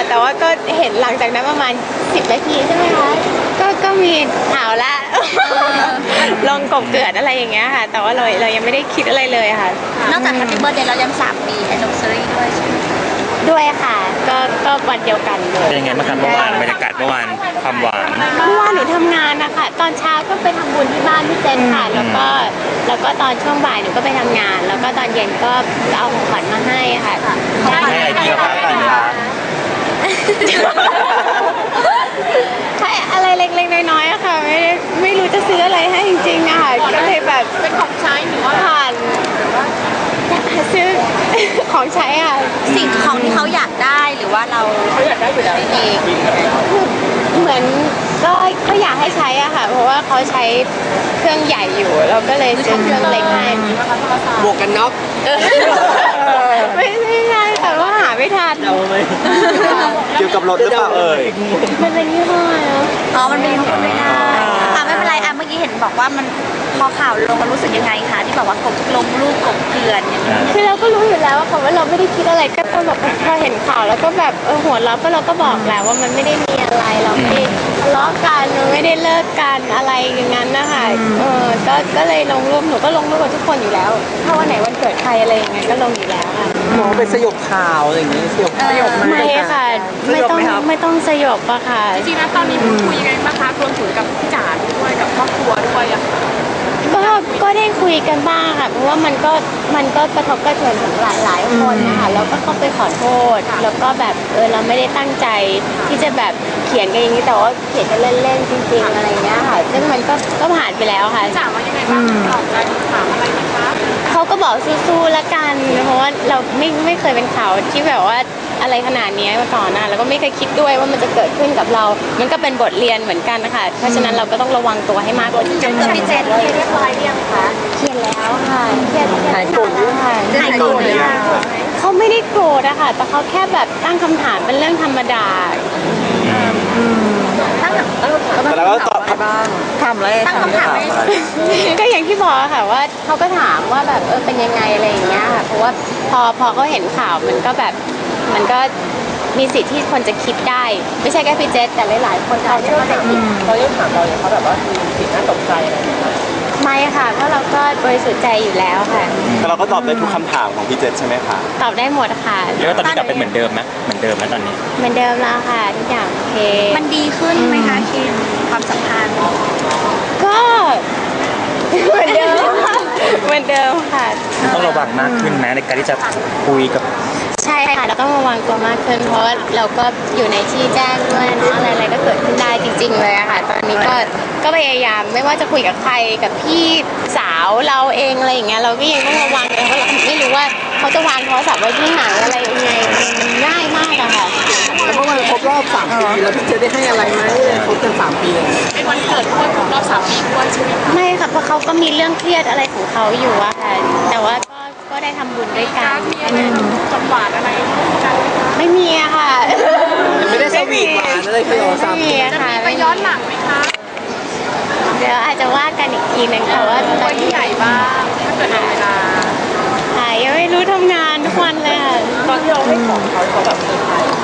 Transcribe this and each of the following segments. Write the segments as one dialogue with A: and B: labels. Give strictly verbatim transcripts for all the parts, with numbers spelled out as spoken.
A: แต่ว่าก็เห็นหลังจากนั้นประมาณสิบนาทีใช่ไหมคะก็ก็มีข่าวละ ลงกบเกิดอะไรอย่างเงี้ยค่ะแต่ว่าเราเรายังไม่ได้คิดอะไรเลยค่ะ
B: นอกจาก Happy Birthday เรายังสามปี Anniversary ด้วยใช่ไหม
A: ด้วยค่ะก็ก็วันเดียวกันเลย
C: เป็นยังไงบ้างครับเมื่อวานบรรยากาศเมื่อวานความหวาน
A: เมื่อวานหนูทำงานนะคะตอนเช้าก็ไปทำบุญที่บ้านพี่เจนค่ะแล้วก็แล้วก็ตอนช่วงบ่ายหนูก็ไปทำงาน แล้วก็ตอนเย็นก็เอาของขวัญมาให้ค่ะ
C: ให้อะไรดีครับกันคะ
A: ให้อะไรเล็กๆน้อยๆอะค่ะไม่ไม่รู้จะซื้ออะไรให้จริงๆอะค่ะก็เลยแบบ
B: เป็นของใช้หรือว่า
A: ผ่านซื้อของใช้อ่ะ
B: สิ่งของที่เขาอยากได้หรือว่าเราเขาอยากได้อยู่แล้วเอง
A: คือเหมือนก็ก็อยากให้ใช้อ่ะค่ะเพราะว่าเขาใช้เครื่องใหญ่อยู่เราก็เลยซื้อเครื่องเล็กให้
D: หมวกกันน็อก
A: ไม่ไม่ใช่แต่ว่าหาไม่ทัน
D: เกี่ยวกับรถหรือเปล่าเอ่ย
A: มันเป็นยี่ห้อ
B: อ๋อมันเป็นยี่ห้อไม่ได้ค่ะไม่เป็นไรอ่ะเมื่อกี้เห็นบอกว่ามันพอข่าวลงมันรู้สึกยังไงคะที่แบบว่ากบลงรูปกบเกลื่อนอย่างนี้
A: คือเราก็รู้อยู่แล้วว่าค่ะว่าเราไม่ได้คิดอะไรก็ต้องแบบพอเห็นข่าวแล้วก็แบบเออหัวเราะก็เราก็บอกแล้วว่ามันไม่ได้มีอะไรเราไม่ได้ทะเลาะกันไม่ได้เลิกกันอะไรอย่างนั้นนะคะเออก็ก็เลยลงรูปหนูก็ลงรูปกับทุกคนอยู่แล้วถ้าวันไหนวันเกิดใครอะไรอย่างเงี้ยก็ลงอยู่แล้วค่ะ
D: มองเป็นสยบข่าวอะไรอย่างนี้สยบสยบ
A: ไม่ค่ะไม่ต้องไม่ต้องสยบอะค่ะ
B: จริงๆนะตอนนี้พูดคุยยังไงบ้างคะรวมถึงกับพี่จ๋าด้วยกับครอบครัวด้วยอะ
A: ก็ก็ได้คุยกันบ้างค่ะเพราะว่ามันก็มันก็กระทบกระเทือนถึงหลายหลายคนนะคะแล้วก็เข้าไปขอโทษแล้วก็แบบเออเราไม่ได้ตั้งใจที่จะแบบเขียนกันอย่างนี้แต่ว่าเขียนกันเล่นๆจริงๆอะไรเงี้ยค่ะซึ่งมันก็ก็ผ่านไปแล้วค่ะ
B: จ๋าว่ายังไงบ้างตอบได้ถามอะไรไหมคะ
A: เขาก็บอกสู้ๆละกันเพราะว่าเราไม่ไม่เคยเป็นข่าวที่แบบว่าอะไรขนาดนี้มาก่อนนะแล้วก็ไม่เคยคิดด้วยว่ามันจะเกิดขึ้นกับเรา มันก็เป็นบทเรียนเหมือนกันนะคะเพราะฉะนั้นเราก็ต้องระวังตัวให้มากกว่านี้
B: จะเกิดพี่เจนเรียบร้อยหรือยังคะ
A: เขียนแล้วค่ะเขียน
D: หายโกรธหรือ
A: ค่ะ
B: หายโกรธหรือยัง
A: เขาไม่ได้โกรธอะค่ะแต่เขาแค่แบบตั้งคำถามเป็นเรื่องธรรมดา
B: ตั้งคำถาม
D: แล้วก็ตอบบ้างถามอะไร
B: ตั้งคำถาม
A: ก็อย่างที่บอกค่ะว่าเขาก็ถามว่าแบบเออเป็นยังไงอะไรอย่างเงี้ยค่ะเพราะว่าพอพอเขาเห็นข่าวมันก็แบบมันก็มีสิทธิ์ที่คนจะคิดได้ไม่ใช่แค่พี่เจษแต่หลายๆคนอาจจะเข้าใจผิด
D: เขายังถามเราอย่างเขาแบบว่ามีสิ่งน่าตกใจอะไรไหม
A: ไม่ค่ะเพราะเราก็บริสุทธิ์ใจอยู่แล้วค่ะ
D: แต่เราก็ตอบได้ทุกคำถามของพี่เจษใช่ไหมคะ
A: ตอบได้หมดค่ะ
C: แล้วตอนนี้กลับเป็นเหมือนเดิมไหมเหมือนเดิมไหมตอนนี้
A: เหมือนเดิมแล้วค่ะทุกอย่างโอเค
B: มันดีขึ้นไหมคะคิมความสัมพันธ์
A: ก็เหมือนเดิมเหมือนเดิมค่ะ
C: ต้องระวังมากขึ้นไหมในการที่จะคุยกับ
A: ใช่ค่ะเราต้องระวังตัวมากขึ้นเพราะว่าเราก็อยู่ในที่แจ้งด้วยเนาะอะไรๆก็เกิดขึ้นได้จริงๆเลยอะค่ะตอนนี้ก็ก็พยายามไม่ว่าจะคุยกับใครกับพี่สาวเราเองอะไรอย่างเงี้ยเราก็ยังต้องระวังเลยเพราะเราไม่รู้ว่าเขาจะวางโทรศัพท์ไว้ที่ไหนอะไรยังไงมันง่ายมากอะค่ะ
D: แล้วเมื่อวันครบรอบสามปีแล้วพี่เจษได้ให้อะไรไหมครบกันสามปีเลย
B: เป็นวันเกิดด้วยครบรอบสามปีด้วยใช่ไหมคะ
A: ไม่ค่ะเพราะเขาก็มีเรื่องเครียดอะไรของเขาอยู่อะค่ะแต่ว่าก็ก็ได้ทำบุญด้วยกัน
B: มีอะไรจังหวะอะไร
A: ไม่มีอะค่ะ
D: ไม่ได้สวีทหวานอะไรคือเราสามปี
A: จะมี
B: ไปย้อนหลังไหมคะ
A: เดี๋ยวอาจจะว่ากันอีกทีนึงค่ะว่า
B: ตอนที่ใหญ่บ้างถ้าเกิดเวลา
A: ค่ะยังไม่รู้ทำงานทุกวันเลยค่ะ
D: ตอนที่เราให้ของเขาเขาแบบเซอร์ไพรส์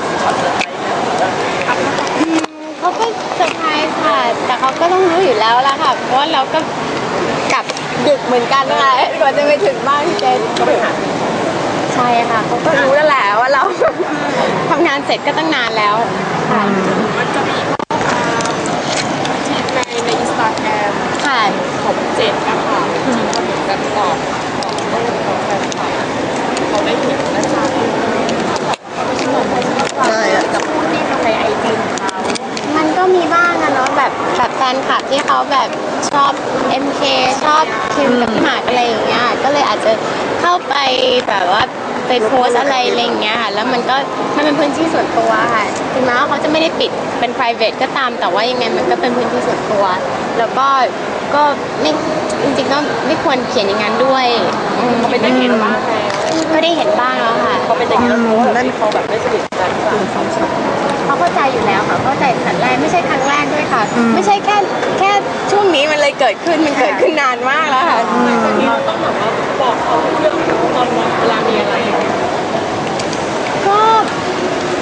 A: เขาก็เซอร์ไพรส์ค่ะแต่เขาก็ต้องรู้อยู่แล้วละค่ะเพราะว่าเราก็กลับดึกเหมือนกันนะคะกว่าจะไปถึงบ้านพี่เจนก็ไปหาใช่ค่ะเขาก็รู้แล้วแหละว่าเราทำงานเสร็จก็ตั้งนานแล้วค่ะ
B: มันจะมีในในอินสตาแกรม
A: ค่ะ
B: ของเจนนะคะที่เขาเหมือนกันตอบของแฟนคลับเขาได้เห็นและทราบใช่กับผู้ที่ทำในไอจีของเขา
A: มันก็มีบ้างนะเนาะแบบแบบแฟนคลับที่เขาแบบชอบ เอ็ม เค ชอบคิมกับพี่หมากอะไรอย่างเงี้ยก็เลยอาจจะเข้าไปแบบว่าไปโพสอะไรอะไรอย่างเงี้ยค่ะแล้วมันก็มันเป็นพื้นที่ส่วนตัวค่ะถึงแม้ว่าเขาจะไม่ได้ปิดเป็น private ก็ตามแต่ว่ายังไงมันก็เป็นพื้นที่ส่วนตัวแล้วก็ก็ไม่จริงๆก็ไม่ควรเขียนอย่างนั้นด้วย
B: เขาเป็นอย่างนี้บ้าง
A: ก็ได้เห็นบ้างแล้วค่ะ
B: เขาเป็นอย่างนี้แล้วรู้ว่าเขาแบบไม่สนิทกัน
A: เขาเข้าใจอยู่แล้วค่ะเข้าใจตั้งแต่แรกไม่ใช่ครั้งแรกด้วยค่ะไม่ใช่แค่แค่ช่วงนี้มันเลยเกิดขึ้นมันเกิดขึ้นนานมากแล้วค่ะ
B: เราต้องแบบว่าบอกเขาเรื่องตอนเวลามีอะไร
A: ก็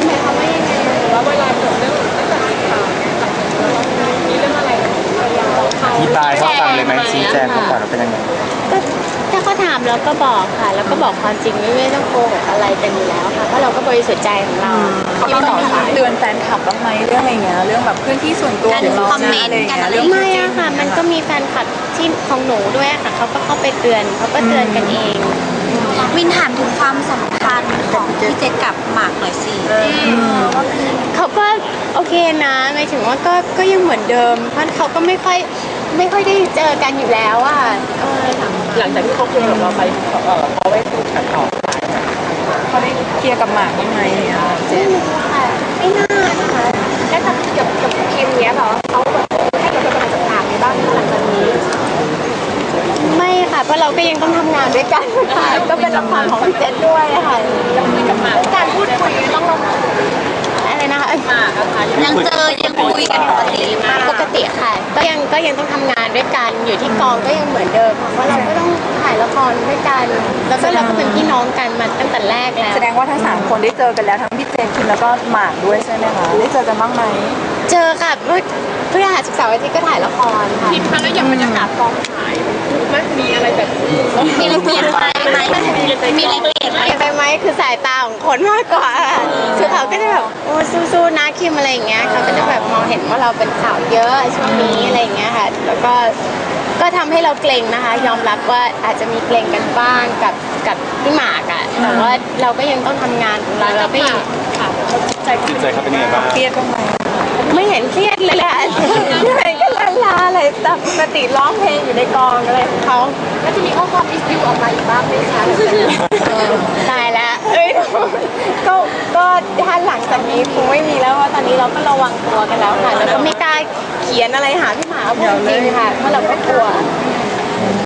A: หมายความว่ายังไง
E: ว่าเวลาเกิดเรื่องตั้งแต่ข่าวมีเรื่องอะไรกับภรรยาเราเขา
C: อธิบายเขาฟังเลยไหมชี้แจงเขาก่อนว่าเป็นยังไง
A: ก็ถ้าเขาถามเราก็บอกค่ะ แล้วก็บอกความจริงไม่ไม่ต้องโกหกอะไรกันอยู่แล้วค่ะเพราะเราก็บริสุทธิ์ใจของเรา
E: เขาก็บอกเตือนแฟนคลับบ้างไหมเรื่องอะไรเงี้ยเรื่องแบบพื้นที่ส่วนตัว
B: การ
E: ของเรา
B: คอมเมนต์
E: อะไรอย่าง
B: กัน
E: เงี้ย
B: อะไร
E: เรื่อง
A: ไม่อะค่ะ มันก็มีแฟนคลับที่ของหนูด้วยค่ะเขาก็เข้าไปเตือนเขาก็เตือนกันเอง
B: วินถามถึงความสัมพันธ์ของพี่เจษกับหมากหน่อยสิ
A: เขาก็โอเคนะหมายถึงว่าก็ก็ยังเหมือนเดิมเพราะเขาก็ไม่ค่อยไม่ค่อยได้เจอกันอยู่แล้วอ่ะเออ
E: หลังจากที่เขาเคลียร์กับเราไปเออเขาไปถูกขัดต่อเขาได้เคลียร์กับหมากบ้างไหมเนี่ยเจ
A: ไม่
E: น
A: รู้ค่ะไม่น่านะคะ
E: แล้วกับกับกับคิมเนี้ยเหรอเขาแบบให้เราเป็นกำลังใจหมากในบ้านหลังจากนี้
A: ไม่ค่ะเพราะเราก็ยังต้องทำงานด้วยกันค่ะก็เป็นละครของพี่เจษด้วยค่ะ
E: คุยกับหมากการพูดคุยต้องลง
A: อะไรนะคะ
E: หมากอะค่ะ
B: ยังเจอยังคุยกันปกติไหม
A: ปกติค่ะ ก็ยังก็ยังต้องทำงานด้วยกันอยู่ที่กองก็ยังเหมือนเดิมเพราะเราก็ต้องถ่ายละครด้วยกันแล้วก็เราก็เป็นพี่น้องกันมาตั้งแต่แรกแล้ว
E: แสดงว่าทั้งสามคนได้เจอกันแล้วทั้งพี่เจนคิมแล้วก็หมากด้วยใช่ไหมคะได้เจอกันบ้างไหม
A: เจอค่ะเมื่อพฤหัสศุกร์เสาร์อาทิตย์ก็ถ่ายละครค่ะ
E: คิมคะแล้วอย่างบรรยากาศกองถ่ายมันมีอะไรแบบ
B: มีอะไรเปลี่ยนไปไหมมีอะไรเปลี่ยนไหม
A: เปลี่ยนไปไหมคือสายตาของคนมากกว่าคือเขาก็จะแบบโอ้สู้ๆนะคิมอะไรอย่างเงี้ยเขาก็จะแบบมองเห็นว่าเราเป็นข่าวเยอะช่วงนี้อะไรอย่างเงี้ยค่ะแล้วก็ก็ทำให้เราเกรงนะคะ ยอมรับว่าอาจจะมีเกรงกันบ้างกับกับพี่หมากอะแต่ว่าเราก็ยังต้องทำงานของเราเราก็ยัง
E: ใจ
C: จิตใจเขาเป็นยังไงบ้าง
E: เครียดบ้างไหม
A: ไม่เห็นเครียดเลยแหละไม่เห็นก็ลาลาอะไรแต่ปกติร้องเพลงอยู่ในกองอะไรของเขา
E: แล้วจะมีข้อความอิสยูออกมาอีกบ้างไหมคะ
A: ตายแล้วเอ้ยก็ก็ถ้าหลังจากนี้คงไม่มีแล้วเพราะตอนนี้เราก็ระวังตัวกันแล้วค่ะแล้วก็ไม่กล้าเขียนอะไรหาพี่หมาพูดจริงๆค่ะเพราะเราก็กลัว